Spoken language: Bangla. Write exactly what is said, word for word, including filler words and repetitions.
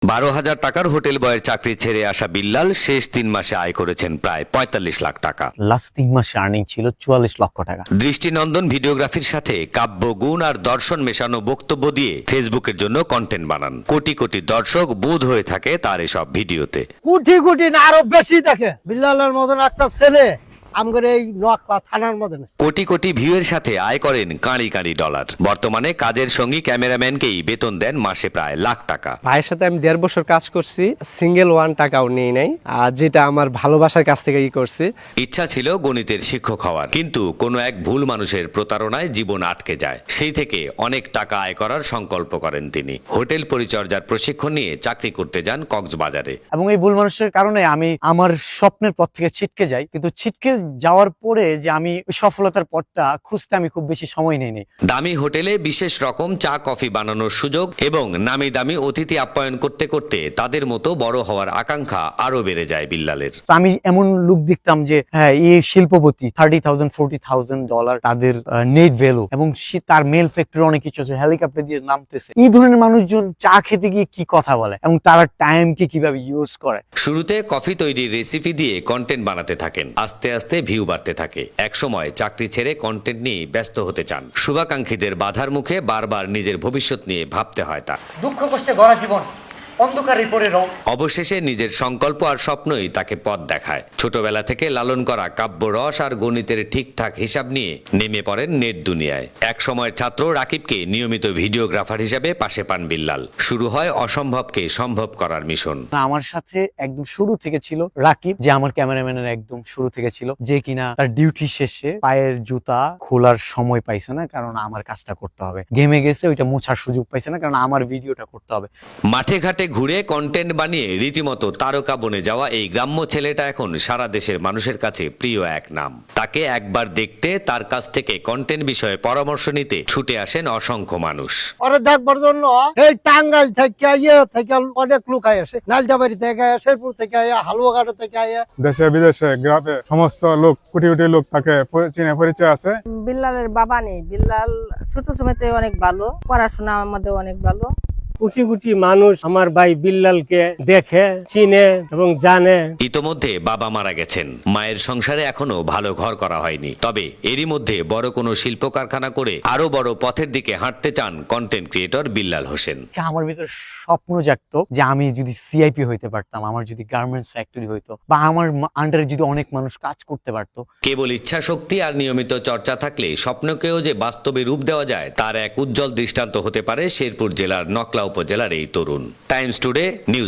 বারো হাজার টাকার হোটেল বয়ের চাকরি ছেড়ে আসা বিল্লাল শেষ তিন মাসে আয় করেছেন প্রায় পঁয়তাল্লিশ লাখ টাকা। লাস্ট তিন মাসে আর্নিং ছিল চুয়াল্লিশ লক্ষ টাকা। দৃষ্টিনন্দন ভিডিওগ্রাফির সাথে কাব্য গুণ আর দর্শন মেশানো বক্তব্য দিয়ে ফেসবুকের জন্য কন্টেন্ট বানান। কোটি কোটি দর্শক বোধ হয়ে থাকে তার এসব ভিডিওতে। কোটি কোটি না আরো বেশি দেখে। বিল্লালের মতন একটা ছেলে আমগর এই নোয়াখালী থানার মধ্যে কোটি কোটি ভিউয়ের সাথে আয় করেন কাঁড়ি কাঁড়ি ডলার। বর্তমানে কাজের সঙ্গী ক্যামেরাম্যানকেই বেতন দেন মাসে প্রায় লাখ টাকা। ভাইয়ের সাথে আমি দেড় বছর কাজ করছি, সিঙ্গেল ওয়ান টাকাও নেই নাই, আর যেটা আমার ভালোবাসার কাছ থেকে ই করছি। ইচ্ছা ছিল গণিতের শিক্ষক হওয়ার, কিন্তু কোনো এক ভুল মানুষের প্রতারণায় জীবন আটকে যায়। সেই থেকে অনেক টাকা আয় করার সংকল্প করেন তিনি। হোটেল পরিচর্যার প্রশিক্ষণ নিয়ে চাকরি করতে যান কক্সবাজারে। এবং এই ভুল মানুষের কারণে আমি আমার স্বপ্নের পথ থেকে ছিটকে যাই, কিন্তু ছিটকে যাওয়ার পরে যে আমি সফলতার পথটা খুঁজতে আমি খুব বেশি সময় নেই। দামি হোটেলে বিশেষ রকম চা কফি বানানোর সুযোগ এবং নামি দামি অতিথি আপ্যায়ন করতে করতে তাদের মতো বড় হওয়ার আকাঙ্ক্ষা আরো বেড়ে যায় বিল্লালের। আমি এমন লোক দেখতাম যে হ্যাঁ এই শিল্পপতি thirty thousand forty thousand dollar তাদের নেট ভ্যালু, এবং তার মেল ফ্যাক্টরি অনেক কিছু আছে, হেলিকপ্টার দিয়ে নামতেছে। এই ধরনের মানুষজন চা খেতে গিয়ে কি কথা বলে এবং তারা টাইমকে কিভাবে ইউজ করে। শুরুতে কফি তৈরির রেসিপি দিয়ে কন্টেন্ট বানাতে থাকেন। আস্তে আস্তে ভিউ বাড়তে থাকে। একসময় চাকরি ছেড়ে কন্টেন্ট নিয়ে ব্যস্ত হতে চান। শুভাকাঙ্ক্ষীদের বাধার মুখে বারবার নিজের ভবিষ্যৎ নিয়ে ভাবতে হয় তার। দুঃখ কষ্টে গড়া জীবন অন্ধকারে পড়ে রং। অবশেষে নিজের সংকল্প আর স্বপ্নই তাকে পথ দেখায়। ছোটবেলা থেকে লালন করা কাব্য রস আর গণিতের ঠিকঠাক হিসাব নিয়ে নেমে পড়েন নেট দুনিয়ায়। এক সময়ের ছাত্র রাকিবকে নিয়মিত ভিডিওগ্রাফার হিসেবে পাশে পান বিল্লাল। শুরু হয় অসম্ভবকে সম্ভব করার মিশন। আমার সাথে একদম শুরু থেকে ছিল রাকিব, যে আমার ক্যামেরাম্যানের একদম শুরু থেকে ছিল, যে কিনা তার ডিউটি শেষে পায়ের জুতা খোলার সময় পাইছে না, কারণ আমার কাজটা করতে হবে। গেমে গেছে, ওইটা মোছার সুযোগ পাইছে না, কারণ আমার ভিডিওটা করতে হবে। মাঠে ঘাটে ঘুরে কন্টেন্ট বানিয়ে রীতিমতো তারকা বনে যাওয়া এই গ্রাম্য ছেলেটা এখন সারা দেশের মানুষের কাছে প্রিয় এক নাম। তাকে একবার দেখতে, তার কাছ থেকে কন্টেন্ট বিষয়ে পরামর্শ নিতে ছুটে আসেন অসংখ্য মানুষ। ওরে দেখবার জন্য এই টাঙ্গাইল থেকে ইয়ে থেকে অনেক লোক আসে, নালদাবাড়ি থেকে, শেরপুর থেকে, হালুয়াঘাট থেকে। দেশে বিদেশে গ্রামে সমস্ত লোক, কোটি কোটি লোক তাকে চিনে পরিচয় আছে। বিল্লালের বাবা নেই, বিল্লাল ছোট সময়তে অনেক ভালো, পড়াশোনা আমাদের অনেক ভালো। কোটি কোটি মানুষ আমার ভাই বিল্লালকে দেখে, চিনে এবং জানে। ইতোমধ্যে বাবা মারা গেছেন, মায়ের সংসারে এখনো ভালো ঘর করা হয়নি। তবে এরই মধ্যে বড় কোনো শিল্প কারখানা করে আরো বড় পথের দিকে হাঁটতে চান কন্টেন্ট ক্রিয়েটর বিল্লাল হোসেন। আমার ভিতরে স্বপ্ন জাগতো যে আমি যদি সিআইপি হইতে পারতাম, আমার যদি গার্মেন্টস ফ্যাক্টরি হইতো, বা আমার আন্ডারে যদি অনেক মানুষ কাজ করতে পারতো। কেবল ইচ্ছা শক্তি আর নিয়মিত চর্চা থাকলে স্বপ্নকেও যে বাস্তবে রূপ দেওয়া যায়, তার এক উজ্জ্বল দৃষ্টান্ত হতে পারে শেরপুর জেলার নকলা উপজেলার এই তরুণ। Times today news.